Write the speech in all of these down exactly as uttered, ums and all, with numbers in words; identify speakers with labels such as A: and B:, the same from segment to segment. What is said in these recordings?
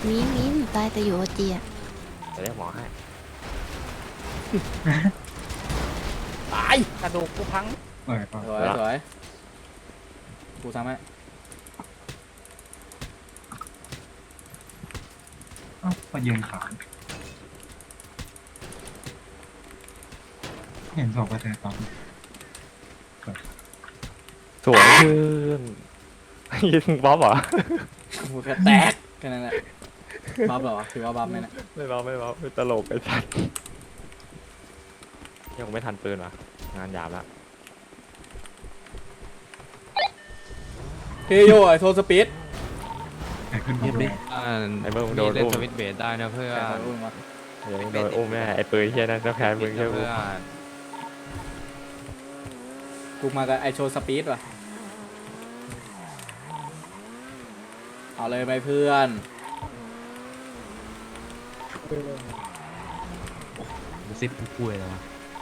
A: มีมีหนูตายแต่อยู่โอจีอะ
B: จะเรียกหมอให้
C: ตายกระดูกกูพัง
D: เออ
C: สวยสวยกูทำให้
D: เอ้ามายืนขานเห็นศพไปเลยตอน
B: สวยขึ้นยิงบ๊อบเหรอ
C: กูแค่แตกแค่นั้นแหละบัฟเหรอถือว่าบัฟไหมเนะ
B: ไม่บ๊อบไม่บ๊อบไม่ตลกไอ้สัตว์ยังไม่ทันปืนวะงานหยาบละ
C: เฮโยไอโทสปีด
D: แต่ขึ้นมาเลย
B: ไอ้เมื่อมึงโด
E: นี่
B: น
E: เล่น
B: อุ้ม
E: สวิตช์เบสได้นะเพื่อน
C: แต่ขอรู้มา
B: เดี๋ยวมึงโดนอุ้มแน่ไอ้ปืนเฮียนั่นต้องแพ้มึงใช่ไหม
E: เพื่อน
C: กูมากับไอโชสปีดว่ะเอาเลยไหมเพื่อน
E: ดูซิปกูป่วยแล้ววะ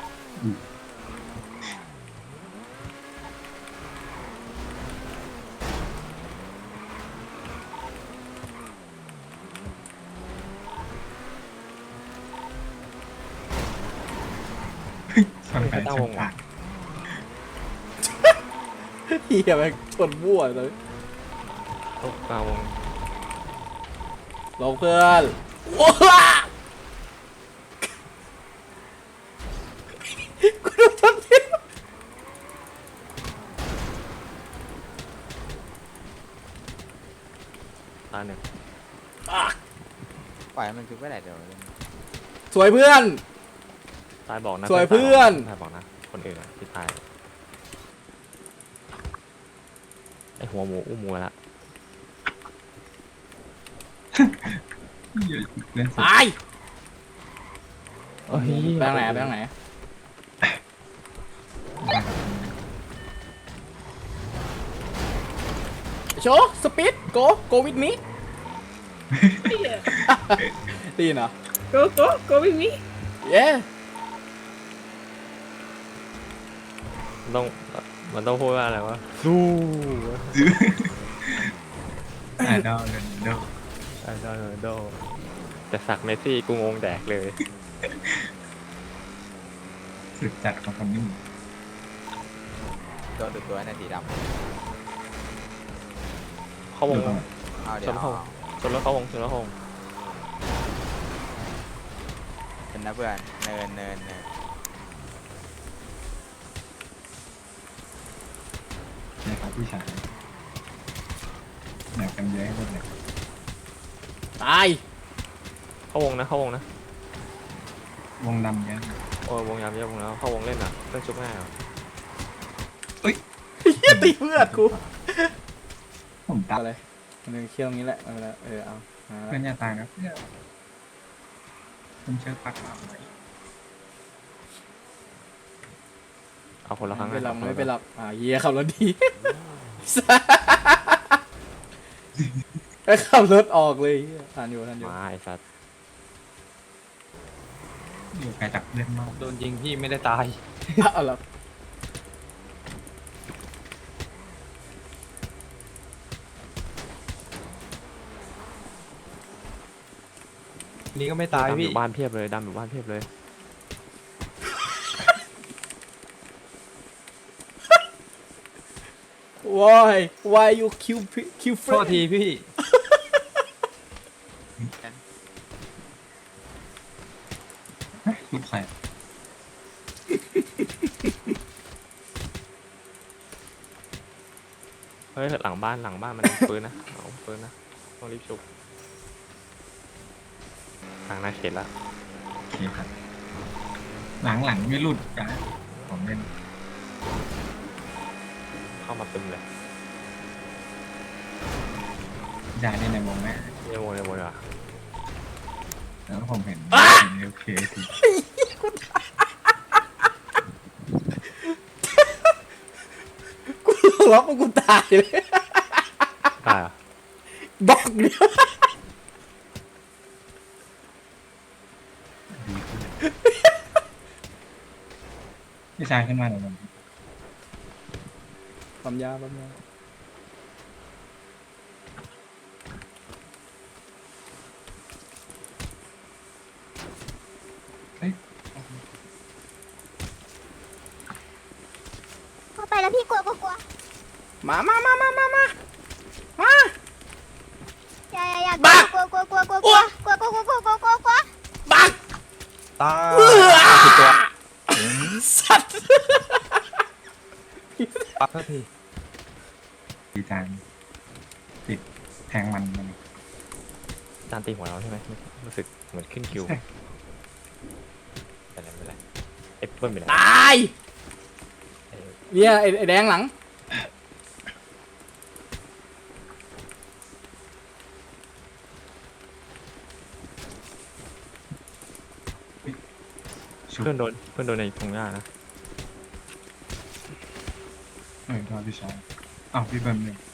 D: ชนไปชนตาย
C: เฮียแม่งชนมั่วเลย
B: ตกกลางวง
C: ลงเพื่อนว้ากูโดนชนพิษ
B: ตาหนึ่ง
F: ปล่อยให้มันคือไม่ได้เดี๋ยว
C: สวยเพื่อน
B: ตายบอกนะ
C: สวยเพื่อน
B: ตายบอกนะคนอื่นอะที่ตายไอ้หัวหมูอุ้มหมูละ
D: เล่นสุด
C: ตาย
B: เอ้ย
C: ไปทางไหนไปทางไหนโชว์สปีดโกโกวิดมิตีนเหรอ
G: Go, go, go with me.
C: เย้
B: มันต้องมันต้องพูดว่าอะไรวะสู้
D: ไอดอลเรนโด
B: ไอ้ดอลโดแต่สักเมสซี่กูงงแดกเลย
D: สุดจัดของคนนี้
F: โดนดูดตัวในสีด
B: เข้าวง
F: ำเอาเดี๋
B: ช
F: ยวน
B: เข้าชนแล้วเข้าวงชนแล้วเข้าวง
F: เป็นนะเพื่อนเนินเนินเนิน
D: นะครับผู้ชายอยากกันเยอะให้หมดเลย
C: ตาย
B: เข้าวงนะเข้าวงนะ
D: วงดำเยอะ
B: โอ้ยวงยามเยอะวงแล้วเข้าวงเล่นอ่ะเล่นชุบง่ายอ่ะ
C: เฮียตีเพื่อนกู
D: ผมตั
C: เอา
D: ด
C: เลยมันเคี่ยวตรงนี้แหละเอาละเออเอามา
D: เพื่อนอย่าตายนะเพื่อนผมเชื่อปักหลังไว้
B: เอาคนละครั้ง
C: ไม่เป็นหรอก
B: อะ
C: ไม่เป็นหรอกอ่าเฮียขับรถดีไอ้ขับรถออกเลยเหี้ยทันอยู่ทันอยู่
B: มาไอ้สัตว์
D: อยู่ไกลจากเพื่อนมาก
E: โดนยิงพี่ไม่ได้ตาย
C: เอาละ
E: นี่ก็ไม่ตาย
B: ดำอ
E: พี่
B: ยู่บ้านเพียบเลยดำอยู่บ้านเพียบเลย
C: วาย why you kill pe- kill
E: โทษ
C: friend
E: ทีพี่
D: ลูกใคร
B: เฮ้ยหลังบ้านหลังบ้านมัน ปืนนะเอาปืนนะต้องรีบชุบทางหน้าเขตละ
D: โอเคครับหลังหลังไม่หลุดจ้ะผมเล่น
B: เข้ามาตึมเลย
D: ยาเล่นในวงแม่
B: เยี่ยมเลยหมดเลยว่ะ
D: แล้วผมเห็นเห็นโอเคสิ
C: กูล็อกกูตายเลย
B: ได้เหรอะ
C: บล็อกเดียว
D: ดีขึ้นพี่ชายขึ้นมาหน่อยผม
C: ปั๊มยาปั๊มยา
H: พี่กลัวกลัวกลัว
C: มามามามามามามา
H: อย่าอย่าอย่า
C: บ้า
H: กลัวกลัวกลัวกลัวกลัวกลัวกลัวกลัวกลัวกลัวกลัวกลัว
C: บัก
E: ตาย
C: เอื้อ
E: ผิดตัว
C: สัตว์
E: ปักสักที
D: ดีจานติดแทงมันมัน
B: จานตีหัวเราใช่ไหมรู้สึกเหมือนขึ้นคิว
D: ใช่
B: แต่ไม่เป็นไรเอฟเฟิลไปไหน
C: ตายเนี่ยไอ้ไอ้แดงหลัง
D: ชุบ
B: เพื่อนโดนเพื่อนโดนในตรงหน้านะ
D: เออทอดพี่ชายอ้าวพี่เบิ้มเนี่ย